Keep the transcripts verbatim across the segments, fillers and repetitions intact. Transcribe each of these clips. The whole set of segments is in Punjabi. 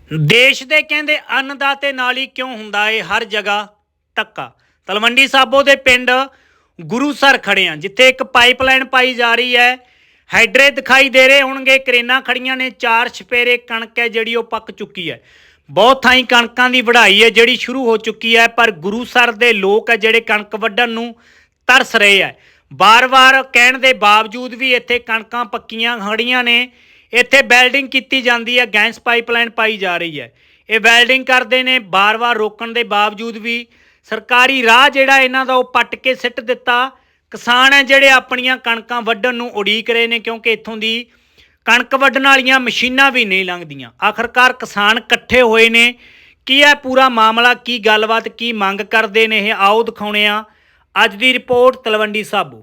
देश दे कहंदे अन्नदाते नाल ही क्यों हुंदा है हर जगह धक्का। तलवंडी साबो दे पिंड गुरुसर खड़े हैं जिथे एक पाइपलाइन पाई जा रही है। हाइड्रे दिखाई दे रहे होणगे, क्रेनां खड़ियां ने, चार छपेरे कणक है जिहड़ी ओह पक चुकी है। बहुत थाई कणकां दी वढाई है जिहड़ी शुरू हो चुकी है, पर गुरुसर दे लोक है जिहड़े कणक वड्ढण नूं तरस रहे है। बार बार कहण दे बावजूद भी इत्थे कणकां पक्कीਆਂ खड़ियां ने। ਇੱਥੇ ਵੈਲਡਿੰਗ ਕੀਤੀ ਜਾਂਦੀ ਹੈ, ਗੈਸ ਪਾਈਪਲਾਈਨ ਪਾਈ ਜਾ ਰਹੀ ਹੈ। ਇਹ ਵੈਲਡਿੰਗ ਕਰਦੇ ਨੇ, ਬਾਰ-ਬਾਰ ਰੋਕਣ ਦੇ ਬਾਵਜੂਦ ਵੀ ਸਰਕਾਰੀ ਰਾਹ ਜਿਹੜਾ ਇਹਨਾਂ ਦਾ ਉਹ ਪੱਟ ਕੇ ਸਿੱਟ ਦਿੱਤਾ। ਕਿਸਾਨ ਹੈ ਜਿਹੜੇ ਆਪਣੀਆਂ ਕਣਕਾਂ ਵੱਢਣ ਨੂੰ ਉਡੀਕ ਰਹੇ ਨੇ, ਕਿਉਂਕਿ ਇੱਥੋਂ ਦੀ ਕਣਕ ਵੱਢਣ ਵਾਲੀਆਂ ਮਸ਼ੀਨਾਂ ਵੀ ਨਹੀਂ ਲੰਘਦੀਆਂ। ਆਖਰਕਾਰ ਕਿਸਾਨ ਇਕੱਠੇ ਹੋਏ ਨੇ। ਕੀ ਹੈ ਪੂਰਾ ਮਾਮਲਾ, ਕੀ ਗੱਲਬਾਤ, ਕੀ ਮੰਗ ਕਰਦੇ ਨੇ, ਇਹ ਆਓ ਦਿਖਾਉਣੇ ਆ। ਅੱਜ ਦੀ ਰਿਪੋਰਟ ਤਲਵੰਡੀ ਸਾਬੋ।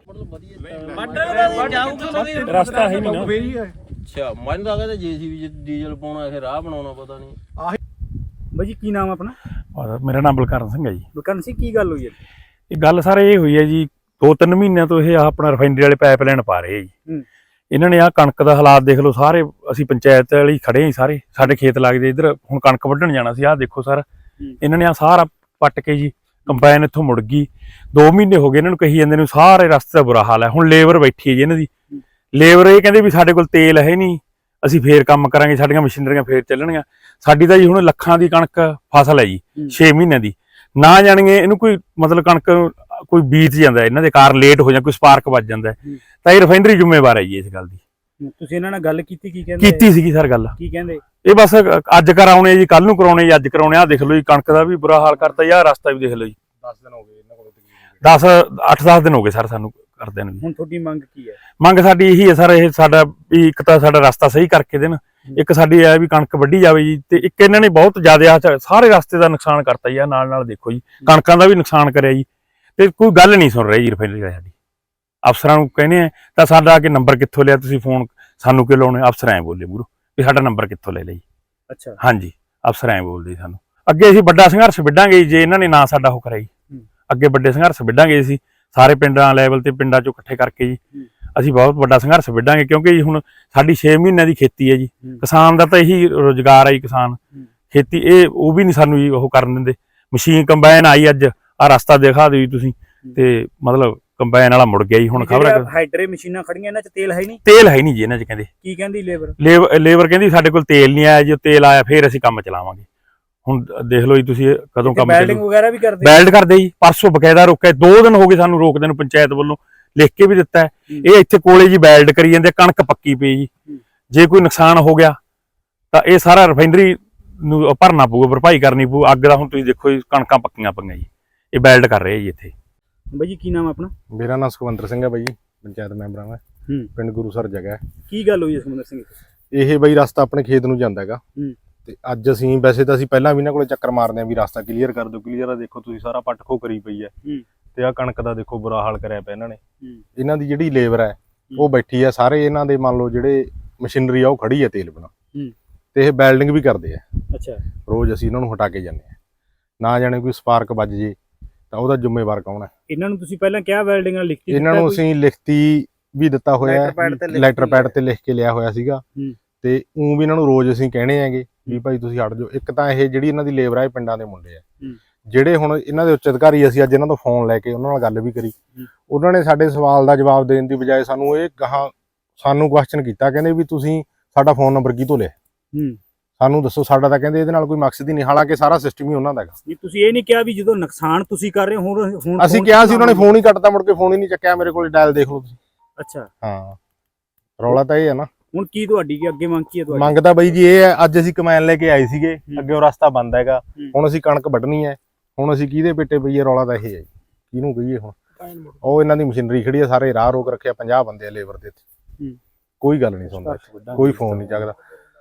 ਰਸਤਾ ਹੈ ਨਹੀਂ ਨਾ। ਅੱਛਾ, ਮੈਨੂੰ ਤਾਂ ਕਹਿੰਦੇ ਜੀਸੀਬੀ ਡੀਜ਼ਲ ਪਾਉਣਾ, ਇਹ ਰਾਹ ਬਣਾਉਣਾ, ਪਤਾ ਨਹੀਂ। ਆਹ ਬਾਈ ਜੀ ਕੀ ਨਾਮ ਆਪਣਾ? ਮੇਰਾ ਨਾਮ ਬਲਕਰਨ ਸਿੰਘ ਹੈ ਜੀ। ਬਲਕਰਨ ਸਿੰਘ, ਕੀ ਗੱਲ ਹੋਈ ਹੈ? ਇਹ ਗੱਲ ਸਰ ਇਹ ਹੋਈ ਹੈ ਜੀ, ਦੋ ਤਿੰਨ ਮਹੀਨਿਆਂ ਤੋਂ ਇਹ ਆਪਣਾ ਰਿਫਾਈਨਰੀ ਵਾਲੇ ਪਾਈਪਲਾਈਨ ਪਾ ਰਹੇ ਜੀ। ਇਹਨਾਂ ਨੇ ਆਹ ਕਣਕ ਦਾ ਹਾਲਾਤ ਦੇਖ ਲਓ ਸਾਰੇ। ਅਸੀਂ ਪੰਚਾਇਤ ਵਾਲੀ ਖੜੇ ਹਾਂ ਸਾਰੇ, ਸਾਡੇ ਖੇਤ ਲੱਗਦੇ ਇੱਧਰ। ਹੁਣ ਕਣਕ ਵੱਢਣ ਜਾਣਾ ਸੀ, ਆਹ ਦੇਖੋ ਸਰ ਇਹਨਾਂ ਨੇ ਆਹ ਸਾਰਾ ਪੱਟ ਕੇ ਜੀ ਕੰਬਾਈਨ ਇੱਥੋਂ ਮੁੜ ਗਈ। ਦੋ ਮਹੀਨੇ ਹੋ ਗਏ ਇਹਨਾਂ ਨੂੰ ਕਹੀ ਜਾਂਦੇ ਨੂੰ, ਸਾਰੇ ਰਸਤੇ ਦਾ ਬੁਰਾ ਹਾਲ ਹੈ। ਹੁਣ ਲੇਬਰ ਬੈਠੀ ਹੈ ਜੀ ਇਹਨਾਂ ਦੀ। ਲੇਬਰ ਇਹ ਕਹਿੰਦੇ ਵੀ ਸਾਡੇ ਕੋਲ ਤੇਲ ਹੈ ਨਹੀਂ, ਅਸੀਂ ਫੇਰ ਕੰਮ ਕਰਾਂਗੇ, ਸਾਡੀਆਂ ਮਸ਼ੀਨਰੀਆਂ ਫੇਰ ਚੱਲਣਗੀਆਂ। ਸਾਡੀ ਤਾਂ ਜੀ ਹੁਣ ਲੱਖਾਂ ਦੀ ਕਣਕ ਫਸਲ ਹੈ ਜੀ, ਛੇ ਮਹੀਨਿਆਂ ਦੀ। ਨਾ ਜਾਣਗੇ ਇਹਨੂੰ ਕੋਈ ਮਤਲਬ ਕਣਕ ਕੋਈ ਬੀਤ ਜਾਂਦਾ, ਇਹਨਾਂ ਦੇ ਕਾਰਨ ਲੇਟ ਹੋ ਜਾਂ ਕੋਈ ਸਪਾਰਕ ਵੱਜ ਜਾਂਦਾ, ਤਾਂ ਇਹ ਰਿਫਾਈਨਰੀ ਜ਼ਿੰਮੇਵਾਰ ਹੈ ਜੀ ਇਸ ਗੱਲ ਦੀ। ਤੁਸੀਂ ਇਹਨਾਂ ਨਾਲ ਗੱਲ ਕੀਤੀ? ਕੀ ਕਹਿੰਦੇ? ਕੀਤੀ ਸੀਗੀ ਸਰ ਗੱਲ। ਕੀ ਕਹਿੰਦੇ? ਇਹ ਬਸ ਅੱਜ ਕਰਾਉਣੇ ਜੀ, ਕੱਲ ਨੂੰ ਕਰਾਉਣੇ ਜੀ, ਅੱਜ ਕਰਾਉਣੇ। ਆ ਦੇਖ ਲਓ ਜੀ ਕਣਕ ਦਾ ਵੀ ਬੁਰਾ ਹਾਲ ਕਰਤਾ। ਯਾਰ ਰਸਤਾ ਵੀ ਦੇਖ ਲਓ ਜੀ, ਦਸ ਦਿਨ ਹੋ ਗਏ ਇਹਨਾਂ ਕੋਲ, ਦਸ ਅੱਠ ਦਸ ਦਿਨ ਹੋ ਗਏ ਸਰ ਸਾਨੂੰ ਕਰਦੇ ਨੂੰ। ਹੁਣ ਤੁਹਾਡੀ ਮੰਗ ਕੀ ਹੈ? ਮੰਗ ਸਾਡੀ ਇਹੀ ਹੈ ਸਰ, ਇਹ ਸਾਡਾ ਵੀ ਇੱਕ ਤਾਂ ਸਾਡਾ ਰਸਤਾ ਸਹੀ ਕਰਕੇ ਦੇਣ, ਇੱਕ ਸਾਡੀ ਇਹ ਵੀ ਕਣਕ ਵੱਢੀ ਜਾਵੇ ਜੀ। ਤੇ ਇੱਕ ਇਹਨਾਂ ਨੇ ਬਹੁਤ ਜ਼ਿਆਦਾ ਸਾਰੇ ਰਸਤੇ ਦਾ ਨੁਕਸਾਨ ਕਰਤਾ ਜੀ। ਨਾਲ ਨਾਲ ਦੇਖੋ ਜੀ ਕਣਕਾਂ ਦਾ ਵੀ ਨੁਕਸਾਨ ਕਰਿਆ ਜੀ, ਤੇ ਕੋਈ ਗੱਲ ਨਹੀਂ ਸੁਣ ਰਿਹਾ ਜੀ ਰਿਫਾਈਨਰੀ ਵਾਲੀ ਸਾਡੀ। ਅਫਸਰਾਂ ਨੂੰ ਕਹਿੰਦੇ ਆ ਤਾਂ ਸਾਡਾ ਆ ਕੇ ਨੰਬਰ ਕਿੱਥੋਂ ਲਿਆ ਤੁਸੀਂ, ਫੋਨ ਸਾਨੂੰ ਕਿਉਂ ਲਾਉਣੇ? ਅਫਸਰ ਐਂ ਬੋਲੇ ਮੂਹਰੋਂ ਵੀ ਸਾਡਾ ਨੰਬਰ ਕਿੱਥੋਂ ਲੈ ਲਈ। ਅੱਛਾ, ਹਾਂਜੀ, ਅਫਸਰ ਐਂ ਬੋਲਦੇ ਸਾਨੂੰ। ਅੱਗੇ ਅਸੀਂ ਵੱਡਾ ਸੰਘਰਸ਼ ਵਿੱਢਾਂਗੇ ਜੇ ਇਹਨਾਂ ਨੇ ਨਾ ਸਾਡਾ ਉਹ ਕਰਾਈ। ਅੱਗੇ ਵੱਡੇ ਸੰਘਰਸ਼ ਵਿੱਢਾਂਗੇ ਅਸੀਂ ਸਾਰੇ ਪਿੰਡਾਂ ਲੈਵਲ ਤੇ, ਪਿੰਡਾਂ ਚੋਂ ਇਕੱਠੇ ਕਰਕੇ ਜੀ। ਅਸੀਂ ਬਹੁਤ ਵੱਡਾ ਸੰਘਰਸ਼ ਵਿੱਢਾਂਗੇ, ਕਿਉਂਕਿ ਜੀ ਹੁਣ ਸਾਡੀ ਛੇ ਮਹੀਨਿਆਂ ਦੀ ਖੇਤੀ ਹੈ ਜੀ। ਕਿਸਾਨ ਦਾ ਤਾਂ ਇਹੀ ਰੁਜ਼ਗਾਰ ਹੈ ਜੀ, ਕਿਸਾਨ ਖੇਤੀ। ਇਹ ਉਹ ਵੀ ਨਹੀਂ ਸਾਨੂੰ ਜੀ ਉਹ ਕਰਨ ਦਿੰਦੇ। ਮਸ਼ੀਨ ਕੰਬਾਈਨ ਆਈ ਅੱਜ, ਆਹ ਰਸਤਾ ਦਿਖਾ ਦਿਓ ਜੀ ਤੁਸੀਂ, ਤੇ ਮਤਲਬ ਕੰਬਾਈਨ ਵਾਲਾ ਮੁੜ ਗਿਆ ਜੀ। ਹੁਣ ਖਬਰ ਹੈ ਹਾਈਡਰੇ ਮਸ਼ੀਨਾਂ ਖੜੀਆਂ, ਇਹਨਾਂ 'ਚ ਤੇਲ ਹੈ ਨਹੀਂ। ਤੇਲ ਹੈ ਨਹੀਂ ਜੀ ਇਹਨਾਂ 'ਚ। ਕਹਿੰਦੇ ਕੀ ਕਹਿੰਦੀ ਲੇਬਰ? ਲੇਬਰ ਕਹਿੰਦੀ ਸਾਡੇ ਕੋਲ ਤੇਲ ਨਹੀਂ ਆਇਆ ਜੀ, ਤੇਲ ਆਇਆ ਫੇਰ ਅਸੀਂ ਕੰਮ ਚਲਾਵਾਂਗੇ। ਹੁਣ ਦੇਖ ਲਓ ਜੀ ਤੁਸੀਂ ਕਦੋਂ ਕੰਮ ਵੈਲਡਿੰਗ ਵਗੈਰਾ ਵੀ ਕਰਦੇ? ਵੈਲਡ ਕਰਦੇ ਜੀ, ਪਰਸੋਂ ਬਕਾਇਦਾ ਰੋਕਿਆ। ਦੋ ਦਿਨ ਹੋ ਗਏ ਸਾਨੂੰ ਰੋਕਦੇ ਨੂੰ, ਪੰਚਾਇਤ ਵੱਲੋਂ ਲਿਖ ਕੇ ਵੀ ਦਿੱਤਾ ਹੈ। ਇਹ ਇੱਥੇ ਕੋਲੇ ਜੀ ਵੈਲਡ ਕਰੀ ਜਾਂਦੇ, ਕਣਕ ਪੱਕੀ ਪਈ ਜੀ। ਜੇ ਕੋਈ ਨੁਕਸਾਨ ਹੋ ਗਿਆ ਤਾਂ ਇਹ ਸਾਰਾ ਰਿਫਾਈਨਰੀ ਨੂੰ ਭਰਨਾ ਪਊਗਾ, ਭਰਪਾਈ ਕਰਨੀ ਪਊ। ਅੱਗ ਦਾ ਹੁਣ ਤੁਸੀਂ ਦੇਖੋ ਜੀ ਕਣਕਾਂ ਪੱਕੀਆਂ ਪਈਆਂ ਜੀ, ਇਹ ਵੈਲਡ ਕਰ ਰਹੇ ਜੀ ਇੱਥੇ। ਬਾਈ ਜੀ ਕੀ ਨਾਮ ਆਪਣਾ? ਮੇਰਾ ਨਾਮ ਸੁਖਵੰਦਰ ਸਿੰਘ ਹੈ ਬਾਈ, ਪੰਚਾਇਤ ਮੈਂਬਰਾਂ ਦਾ, ਪਿੰਡ ਗੁਰੂਸਰ ਜਗ੍ਹਾ ਹੈ। ਕੀ ਗੱਲ ਹੋਈ ਸੁਖਵੰਦਰ ਸਿੰਘ? ਇਹ ਬਾਈ ਰਸਤਾ ਆਪਣੇ ਖੇਤ ਨੂੰ ਜਾਂਦਾ ਹੈਗਾ, ਤੇ ਅੱਜ ਅਸੀਂ ਵੈਸੇ ਤਾਂ ਅਸੀਂ ਪਹਿਲਾਂ ਵੀ ਇਹਨਾਂ ਕੋਲੇ ਚੱਕਰ ਮਾਰਦੇ ਆਂ ਵੀ ਰਸਤਾ ਕਲੀਅਰ ਕਰ ਦਿਓ ਕਲੀਅਰ ਆ। ਦੇਖੋ ਤੁਸੀਂ ਸਾਰਾ ਪੱਟ ਖੋ ਕਰੀ ਪਈ ਹੈ, ਤੇ ਆਹ ਕਣਕ ਦਾ ਦੇਖੋ ਬੁਰਾ ਹਾਲ ਕਰਿਆ ਪਿਆ ਇਹਨਾਂ ਨੇ। ਇਹਨਾਂ ਦੀ ਜਿਹੜੀ ਲੇਬਰ ਹੈ ਉਹ ਬੈਠੀ ਹੈ, ਸਾਰੇ ਇਹਨਾਂ ਦੇ ਮੰਨ ਲਓ ਜਿਹੜੇ ਮਸ਼ੀਨਰੀ ਆ ਉਹ ਖੜੀ ਹੈ ਤੇਲ ਬਣਾ, ਤੇ ਇਹ ਵੈਲਡਿੰਗ ਵੀ ਕਰਦੇ ਆ। ਅੱਛਾ, ਰੋਜ਼ ਅਸੀਂ ਇਹਨਾਂ ਨੂੰ ਹਟਾ ਕੇ ਜਾਂਦੇ ਆ। ਨਾ ਜਾਣੇ ਕੋਈ ਸਪਾਰਕ ਵੱਜ ਜੇ ਤਾਂ ਉਹਦਾ ਜ਼ਿੰਮੇਵਾਰ ਕੌਣ ਹੈ? ਇਹਨਾਂ ਨੂੰ ਤੁਸੀਂ ਪਹਿਲਾਂ ਕਿਹਾ ਵੈਲਡਿੰਗ ਨਾਲ ਲਿਖਤੀ? ਇਹਨਾਂ ਨੂੰ ਅਸੀਂ ਲਿਖਤੀ ਵੀ ਦਿੱਤਾ ਹੋਇਆ, ਲੈਟਰ ਪੈਡ ਤੇ ਲਿਖ ਕੇ ਲਿਆ ਹੋਇਆ ਸੀਗਾ। ਤੇ ਉਹ ਵੀ ਇਹਨਾਂ ਨੂੰ ਰੋਜ਼ ਅਸੀਂ ਕਹਿਣੇ ਆਂਗੇ ਵੀ ਭਾਈ ਤੁਸੀਂ ਹਟ ਜਾਓ। ਇੱਕ ਤਾਂ ਇਹ ਜਿਹੜੀ ਇਹਨਾਂ ਦੀ ਲੇਬਰ ਹੈ ਪਿੰਡਾਂ ਦੇ ਮੁੰਡੇ ਆ, ਜਿਹੜੇ ਹੁਣ ਇਹਨਾਂ ਦੇ ਉੱਚ ਅਧਿਕਾਰੀ, ਅਸੀਂ ਅੱਜ ਇਹਨਾਂ ਤੋਂ ਫੋਨ ਲੈ ਕੇ ਉਹਨਾਂ ਨਾਲ ਗੱਲ ਵੀ ਕਰੀ। ਉਹਨਾਂ ਨੇ ਸਾਡੇ ਸਵਾਲ ਦਾ ਜਵਾਬ ਦੇਣ ਦੀ ਬਜਾਏ ਸਾਨੂੰ ਇਹ ਗਾਹਾਂ ਸਾਨੂੰ ਕੁਐਸਚਨ ਕੀਤਾ, ਕਹਿੰਦੇ ਵੀ ਤੁਸੀਂ ਸਾਡਾ ਫੋਨ ਨੰਬਰ ਕਿਤੋਂ ਲਿਆ, ਸਾਨੂੰ ਦੱਸੋ। ਸਾਡਾ ਤਾਂ ਕਹਿੰਦੇ ਇਹਦੇ ਨਾਲ ਕੋਈ ਮਕਸਦ ਹੀ ਨਹੀਂ, ਹਾਲਾਂਕਿ ਸਾਰਾ ਸਿਸਟਮ ਹੀ ਉਹਨਾਂ ਦਾ ਹੈਗਾ। ਤੁਸੀਂ ਇਹ ਨਹੀਂ ਕਿਹਾ ਵੀ ਜਦੋਂ ਨੁਕਸਾਨ ਤੁਸੀਂ ਕਰ ਰਹੇ ਹੋ ਹੁਣ? ਅਸੀਂ ਕਿਹਾ ਸੀ, ਉਹਨਾਂ ਨੇ ਫੋਨ ਹੀ ਕੱਟਤਾ, ਮੁੜ ਕੇ ਫੋਨ ਹੀ ਨਹੀਂ ਚੱਕਿਆ। ਮੇਰੇ ਕੋਲ ਡਾਇਲ ਦੇਖ ਲਓ ਤੁਸੀਂ। ਅੱਛਾ, ਹਾਂ, ਰੌਲਾ ਤਾਂ ਇਹ ਹੈ ਨਾ। ਹੁਣ ਕੀ ਤੁਹਾਡੀ ਕੀ ਅੱਗੇ ਮੰਗ ਕੀ ਹੈ ਤੁਹਾਡੀ? ਮੰਗ ਤਾਂ ਬਾਈ ਜੀ ਇਹ ਹੈ, ਅੱਜ ਅਸੀਂ ਕਮੈਨ ਲੈ ਕੇ ਆਏ ਸੀਗੇ, ਅੱਗੇ ਉਹ ਰਸਤਾ ਬੰਦ ਹੈਗਾ। ਹੁਣ ਅਸੀਂ ਕਣਕ ਵੱਢਣੀ ਹੈ, ਹੁਣ ਅਸੀਂ ਕਿਹਦੇ ਪੇਟੇ ਪਈਏ? ਰੌਲਾ ਤਾਂ ਇਹ ਹੈ ਜੀ, ਕਿਹਨੂੰ ਕਹੀਏ ਹੁਣ? ਉਹ ਇਹਨਾਂ ਦੀ ਮਸ਼ੀਨਰੀ ਖੜੀ ਹੈ, ਸਾਰੇ ਰਾਹ ਰੋਕ ਰੱਖਿਆ, ਪੰਜਾਹ ਬੰਦੇ ਆ ਲੇਬਰ ਦੇ ਇੱਥੇ। ਕੋਈ ਗੱਲ ਨਹੀਂ ਸੁਣਦਾ, ਕੋਈ ਫੋਨ ਨਹੀਂ ਚੱਕਦਾ।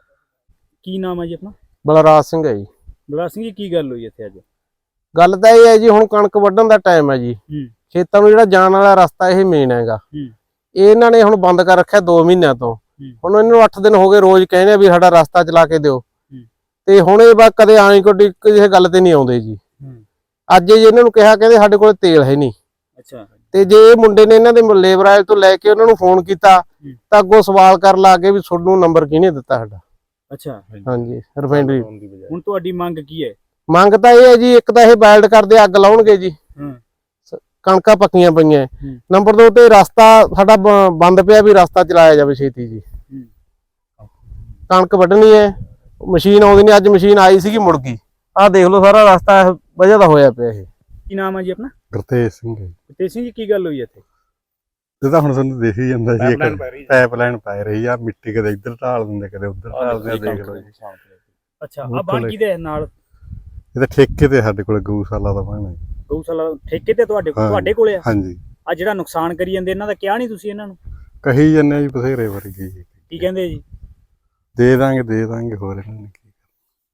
ਕੀ ਨਾਮ ਹੈ ਜੀ ਆਪਣਾ? ਬਲਰਾਜ ਸਿੰਘ ਹੈ ਜੀ। ਬਲਰਾਜ ਸਿੰਘ ਜੀ ਕੀ ਗੱਲ ਹੋਈ ਇੱਥੇ ਅੱਜ? ਗੱਲ ਤਾਂ ਇਹ ਹੈ ਜੀ, ਹੁਣ ਕਣਕ ਵੱਢਣ ਦਾ ਟਾਈਮ ਹੈ ਜੀ। ਖੇਤਾਂ ਨੂੰ ਜਿਹੜਾ ਜਾਣ ਵਾਲਾ ਰਸਤਾ ਇਹ ਮੇਨ ਹੈਗਾ, ਇਹ ਇਹਨਾਂ ਨੇ ਹੁਣ ਬੰਦ ਕਰ ਰੱਖਿਆ ਦੋ ਮਹੀਨਿਆਂ ਤੋਂ। ਹੁਣ ਇਹਨਾਂ ਨੂੰ ਅੱਠ ਦਿਨ ਹੋ ਗਏ ਰੋਜ਼ ਕਹਿੰਦੇ ਆ ਵੀ ਸਾਡਾ ਰਸਤਾ ਚਲਾ ਕੇ ਦਿਓ, ਤੇ ਹੁਣ ਇਹ ਬਾ ਕਦੇ ਆਣੀ ਕੋਈ ਕਿਸੇ ਗੱਲ ਤੇ ਨਹੀਂ ਆਉਂਦੇ ਜੀ। ਅੱਜ ਜੀ ਇਹਨਾਂ ਨੂੰ ਕਿਹਾ, ਕਹਿੰਦੇ ਸਾਡੇ ਕੋਲ ਤੇਲ ਹੈ ਨਹੀਂ। ਅੱਛਾ, ਤੇ ਜੇ ਇਹ ਮੁੰਡੇ ਨੇ ਇਹਨਾਂ ਦੇ ਲੇਬਰ ਵਾਲੇ ਤੋਂ ਲੈ ਕੇ ਉਹਨਾਂ ਨੂੰ ਫੋਨ ਕੀਤਾ ਤਾਂ ਅੱਗੋਂ ਸਵਾਲ ਕਰਨ ਲੱਗ ਗਏ ਵੀ ਤੁਹਾਨੂੰ ਨੰਬਰ ਕਿਹਨੇ ਦਿੱਤਾ ਸਾਡਾ। ਅੱਛਾ ਹਾਂਜੀ ਰਿਫਾਈਨਰੀ। ਹੁਣ ਤੁਹਾਡੀ ਮੰਗ ਕੀ ਹੈ? ਮੰਗ ਤਾਂ ਇਹ ਹੈ ਜੀ, ਇੱਕ ਤਾਂ ਇਹ ਵੈਲਡ ਕਰਦੇ ਅੱਗ ਲਾਉਣਗੇ ਜੀ, ਹੂੰ ਕਣਕਾਂ ਪੱਕੀਆਂ ਪਈਆਂ। ਹੂੰ। ਨੰਬਰ ਦੋ ਤੇ ਰਸਤਾ ਸਾਡਾ ਬ- ਬੰਦ ਪਿਆ, ਵੀ ਰਸਤਾ ਚਲਾਇਆ ਜਾਵੇ ਛੇਤੀ ਜੀ। ਕਣਕ ਵੱਢਣੀ ਹੈ, ਮਸ਼ੀਨ ਆਉਂਦੀ ਨਹੀਂ, ਅੱਜ ਮਸ਼ੀਨ ਆਈ ਸੀਗੀ ਮੁੜ ਗਈ। ਆਹ ਦੇਖ ਲਓ ਸਾਰਾ ਰਸਤਾ ਇਹ ਵਜ੍ਹਾ ਦਾ ਹੋਇਆ ਪਿਆ ਇਹ। ਕੀ ਨਾਮ ਹੈ ਜੀ ਆਪਣਾ? ਗੁਰਤੇਜ ਸਿੰਘ ਤੇ ਸਿੰਘ ਜੀ ਕੀ ਗੱਲ ਹੋਈ ਇੱਥੇ? ਇਹ ਤਾਂ ਹੁਣ ਤੁਹਾਨੂੰ ਦੇਖ ਹੀ ਜਾਂਦਾ ਜੀ, ਪਾਈਪ ਲਾਈਨ ਪੈ ਰਹੀ ਆ, ਮਿੱਟੀ ਕਦੇ ਇੱਧਰ ਢਾਲ ਦਿੰਦੇ ਕਦੇ ਉੱਧਰ ਢਾਲ ਦਿੰਦੇ, ਦੇਖ ਲਓ ਜੀ। ਅੱਛਾ ਆ ਬਾਣ ਕਿਹਦੇ ਨਾਲ? ਇਹ ਤਾਂ ਠੇਕੇ ਤੇ ਸਾਡੇ ਕੋਲ ਗਊਸ਼ਾਲਾ ਦਾ ਬਣ ਹੈ। ਗਊਸ਼ਾਲਾ ਠੇਕੇ ਤੇ ਤੁਹਾਡੇ ਹਾਂ। ਤੁਹਾਡੇ ਕੋਲੇ ਆ? ਹਾਂਜੀ ਆ ਜਿਹੜਾ ਨੁਕਸਾਨ ਕਰੀ ਜਾਂਦੇ ਇਹਨਾਂ ਦਾ ਕਿਹਾ ਨਹੀਂ ਤੁਸੀਂ ਇਹਨਾਂ ਨੂੰ? ਕਹੀ ਜੰਨੇ ਜੀ ਬਥੇਰੇ ਵਰਗੇ ਜੀ, ਕੀ ਕਹਿੰਦੇ ਜੀ? ਦੇ ਦਾਂਗੇ ਦੇ ਦਾਂਗੇ ਹੋਰ ਇਹਨਾਂ ਨੇ ਕੀ।